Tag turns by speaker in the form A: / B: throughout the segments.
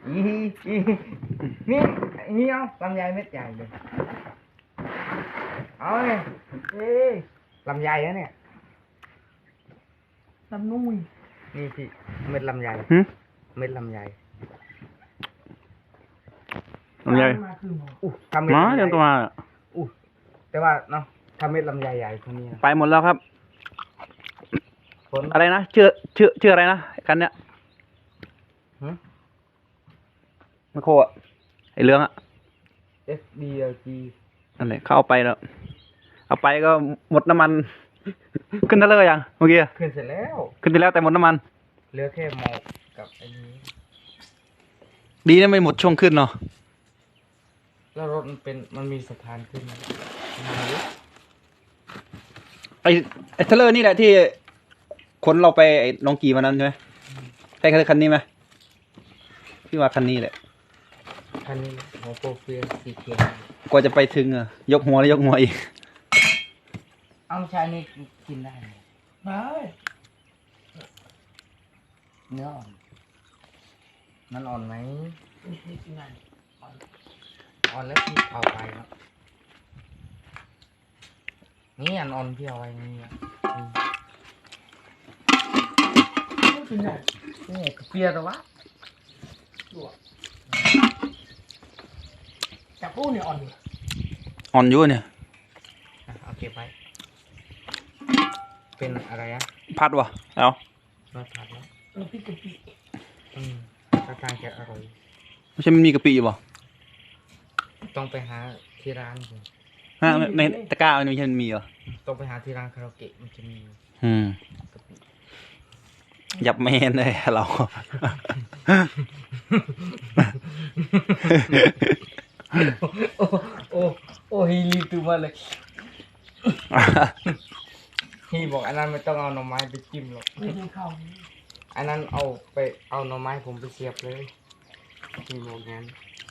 A: นี่นี่เอาลำไยเม็ดใหญ่เลยเอาเนี่ยลำไยนะเนี่ยลำนุ่ยนี่พี่เม็ดลำไยเม็ดลำไย
B: ลำไย
A: ทำเม็ด
B: มาเรื่องตัวมา
A: แต่ว่าเนาะทำเม็ดลำไยใหญ่คนนี้
B: ไปหมดแล้วครับอะไรนะชื่ออะไรนะกันเนี่ยไมโครอะไอเรื่องอะ
A: FDLG
B: นั่นแหละเขาเอาไปแล้วเอาไปก็หมดน้ำมันขึ้นได้เลยยังเมื่อกี้
A: ขึ้นเสร็จแล้ว
B: ขึ้นไปแล้วแต่หมดน้ำมัน
A: เหลือแค่หมอกกับไอ้นี้
B: ดีนะไม่หมดช่วงขึ้นเนาะ
A: แล้วรถมันมีสะพานขึ้น
B: ไอเทเลอร์นี่แหละที่ขนเราไปไอ้น้องกีวันนั้นใช่ไหมใช่คันนี้ไหมพี่ว่าคันนี้แหละ
A: คันนี้หัวโปรเฟียสีเขียว
B: กว่าจะไปถึงอะยกหัวแล้วยกหัวอีก
A: เอาชายนี่กินได้เนื้ออ่อนมันอ่อนไหมอ่อนแล้วพี่เอาไปครับนี่อันอ่อนพี่เอาไว้นี่นี่เปียตัววะจับปูเนี่ยอ่อน
B: อยู่เนี่ย
A: โอเคไปเป็นอะไรอะ
B: พัดวะเอา
A: ผัดแล้วพี่กะปิถ้าทางจะอร่อย
B: ไม่ใช่มันมีกะปิอยู่ป่ะ
A: ต้องไปหาที่ร้าน
B: ฮะในตะกร้ามันไม่ใช่มีเหรอ
A: ต้องไปหาที่ร้านคาราโอเกะมันจะมี
B: ยับเมนเลยเรา
A: โอ้ฮีรีตัวมาเลยฮีบอกอันนั้นไม่ต้องเอาหน่อไม้ไปจิ้มหรอกอันนั้นเอาหน่อไม้ผมไปเสียบเลยฮีบอกงั้น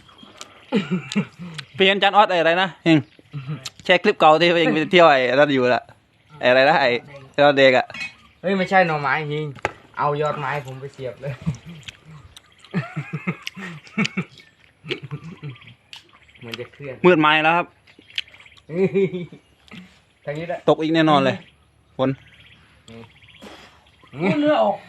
B: เปลี่ยนจานออสอะไรนะเฮงแชร์คลิปเก่าที่เองไปเที่ยวไอ้นั่นอยู่ละอะไรนะไอ้เราเด็กอ่ะ
A: เฮ้ยไม่ใช่หน่อไม้ฮิงเอายอดไม้ผมไปเสียบเลยมันจะเคลื่อน
B: มืดไม้แล้วครับ
A: ทางนี้แหละ
B: ตกอีกแน่นอนเลยฝน
A: เนื้อออก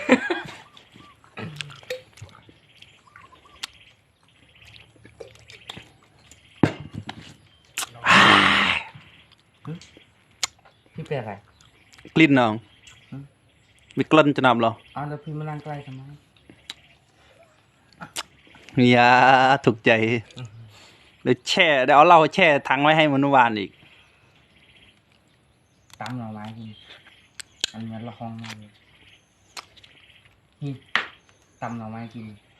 A: พี่เป็นอะไร
B: กลิ่นน้องมีกลิ่นจะนำเหรอ
A: แล้วพี่มานั่งใกล้ทำไม
B: อย่าถูกใจเดี๋ยวเอาเหล้าแช่ถังไว้ให้มันวานอีก
A: ตามหน่อไม้กินอันนี้ละครมากเลยนี่ตำหน่อไม้กิน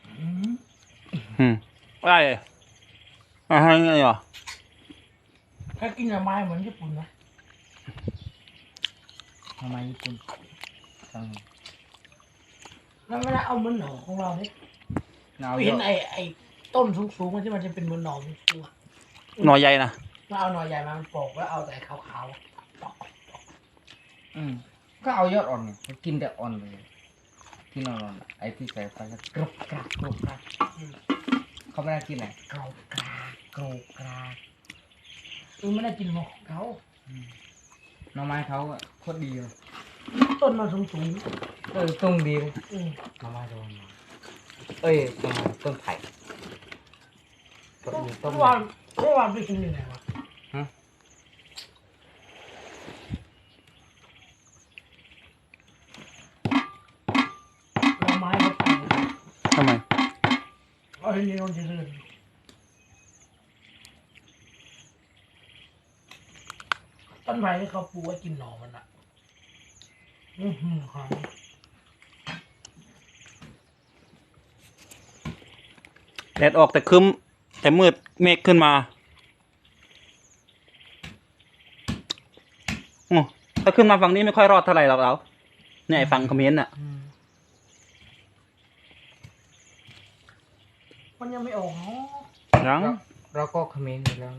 B: อะไรอะไรไงเหรอ
A: ถ้ากินหน่อไม้เหมือนญี่ปุ่นนะหน่อไม้ญี่ปุ่นแล้วเวลาเอามันหน่อของเราเนี่ยเห็นไอ้ต้นสูงๆมันที่มันจะเป็นเหมือนหน่อสูง
B: หน่อใหญ่นะ
A: แล้วเอาหน่อใหญ่มามันปอกแล้วเอาแต่ขาวๆก็เอายอดอ่อนเนี่ยกินแต่อ่อนเลยกินอ่อนๆไอ้ที่ใส่ไปแล้วกรุบกรากเขาไม่ได้กินไหนกรุบกรากไม่ได้กินหมกเขาหน่อไม้เขาอะโคตรดีเลยต้นมาสูงต้นดีเลยหน่อไม้โดนต้นไผ่ต้นวันไปกินยังไงวะหน่อไม้เขาไป
B: ทำไม
A: เอาให้นี่นอนเฉยต้นไผ่ที่เขาปลูกไว้กินหน่อมันอ่ะครับ
B: แดดออกแต่ครึ้มแต่มืดเมฆขึ้นมาถ้าขึ้นมาฝั่งนี้ไม่ค่อยรอดเท่าไหร่หรอกเราเนี่ยฝั่งคอมเมนต์อ่ะ
A: มันยังไม่ออกเนาะ
B: ยัง
A: เราก็คอมเมนต์อยู่แล้ว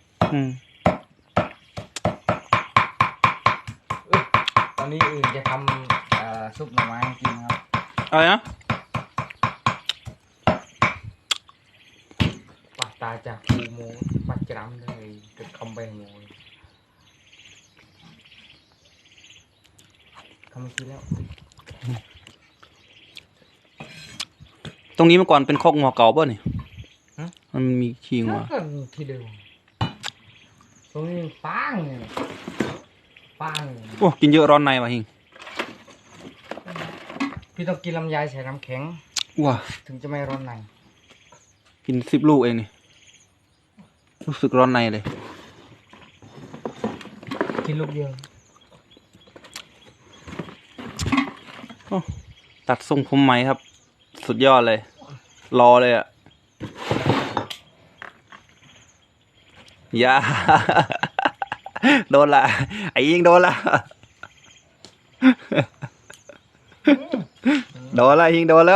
A: ตอนนี้อื่นจะทำซุปหน่อไม้ให้กินครับ
B: อะไรนะ
A: ตาจากคูโมปัจจรำเลยกับคำใบโมคำคิดแล้ว
B: ตรงนี้เมื่อก่อนเป็นคอกงัวเก่าป่ะนี่มันมีขี้งัว
A: ก็ที่เดิมตรงนี้ปังปัง
B: โอ้กินเยอะร้อนในว่ะฮิง
A: พี่ต้องกินลำไยใส่น้ำแข็ง
B: ว้า
A: ถึงจะไม่ร้อนใน
B: กิน10 ลูกเองนี่รู้สึกร้อนในเลย
A: กินลูกเดียว
B: โอ้ตัดทรงผมไหมครับ สุดยอดเลย รอเลยอ่ะอย่า โดนละไอ้ยิงโดนละ โดนละยิงโดนแล้ว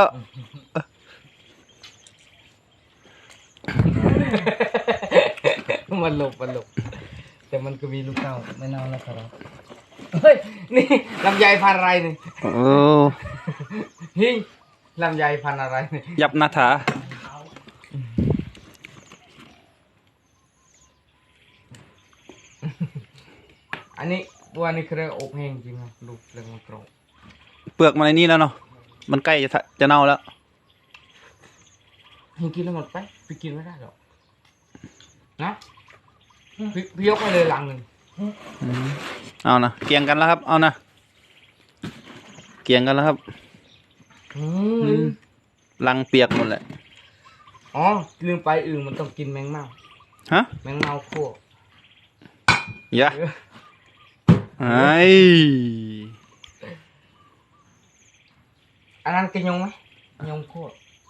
A: มันหลบแต่มันก็มีลูกเต้าไม่เน่าแล้วครับเฮ้ยนี่ลำไยพันธุ์อะไรนี่
B: โอ้
A: ฮิงลำไยพันธุ์อะไรนี่
B: ยับนาถา
A: อันนี้วันนี้คืออบแห้งจริงครับลูกเรื่องมันกรอบ
B: เปลือกมันในนี่แล้วเนาะมันใกล้จะเน่าแล้ว
A: ฮิงกินแล้วหมดไปพี่กินไม่ได้หรอกนะพี่ยกไปเลยหลังหนึ่ง
B: เอานะเกี่ยงกันแล้วครับ เอานะเกี่ยงกันแล้วครับลังเปียกหมดแหละ
A: อ๋อลืมไปอื่นมันต้องกินแมงเม่า
B: ฮะ
A: แมงเม่าคั่ว
B: อย่าไอ้
A: อันนั้นกินยงไหมยงคั่ว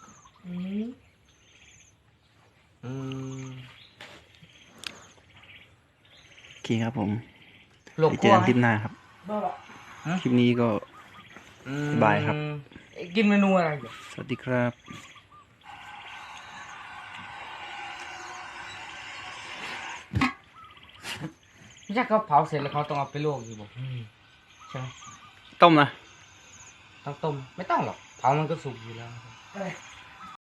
B: โอเคครับผม
A: หลบ
B: ไปเจ
A: คั่
B: อ
A: ว
B: กันคลิปหน้าครับ คลิปนี้ก็บายครับ
A: กินเมนูอะไรอยู่
B: สวัสดีครับ
A: ไม่ใช่เขาเผาเสร็จแล้วเขาต้องเอาไปลวกอยู่บอกใช่ไหม
B: ต้มนะ
A: ต้องต้มไม่ต้องหรอกเผามันก็สุกอยู่แล้ว